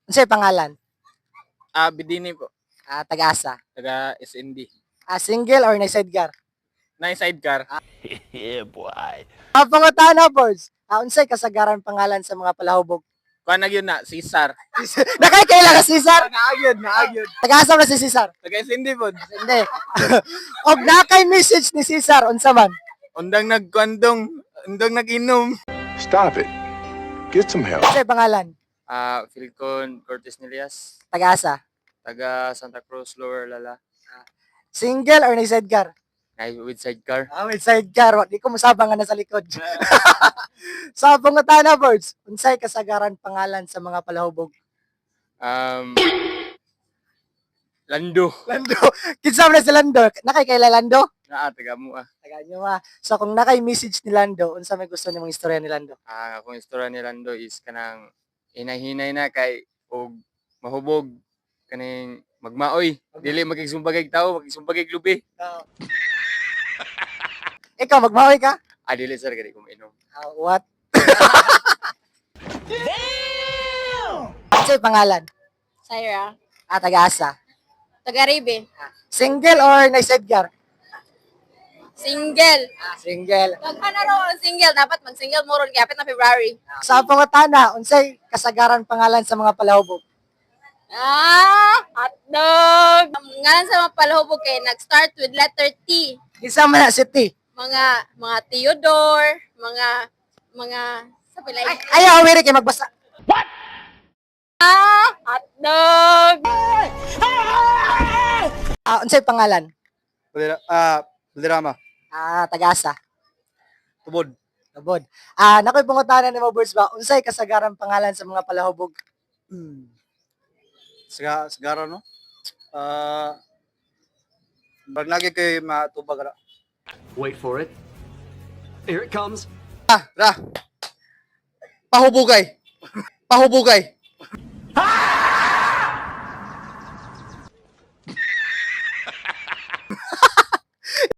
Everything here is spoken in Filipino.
Unsay pangalan? Bidini po. Taga-asa. Taga SND. Single or nay sidecar? Na sidecar. Yeah, boy. Pangutana, boards. Unsay kasagaran pangalan sa mga palahubog? Kuha na yun na, Cesar. Nakay ka Cesar? Naagyon. Taga-asa na si Cesar? Taga SND po. Hindi. Og nakay message ni Cesar unsa man? Undang undang nag-inom. Stop it. Get some help. Unsay pangalan? Philcon Cortez Nilias. Taga-asa. Taga Santa Cruz, Lower Lala. Single or nay sidecar? With sidecar. With sidecar. Di ko masabang nga nasa likod. Sa pangutana, boards. Unsay kasagaran pangalan sa mga palahubog? Lando. Lando. Kinsa man si Lando? Nakay kay Lando? Taga mo Taga nyo So kung nakay message ni Lando, unsa may gusto nimong istorya ni Lando? Akong istorya ni Lando is kanang hinay-hinay na kay og mahubog kaning magmaoy. Dili magigsumbagay tao, magigsumbagay lubi. Ikaw, magmahoy ka? Dili sir kay ko mainom. What? Damn! Unsay pangalan? Syra. Taga-asa. Taga-Ribe. Single or nay sidecar? Single. Single. Ano raw ang single? Dapat mag-single mo ron. Kapit na February. Sa pangutana, unsay kasagaran pangalan sa mga palahubog? Hotdog. Ang ngalan sa mga palahubog kay nag-start with letter T. Kinsa man na si T? Mga Theodore, mga sa pilay. Ayaw, awiri kay magbasa. Hotdog. Unsay pangalan? Balderrama. Taga-asa. Tubod. Tubod. Nakoy pangutana ni mo, boards ba? Unsay kasagaran pangalan sa mga palahubog? Sigara no? Bag lagi kay matubag ra. Wait for it. Here it comes. Pahubugay.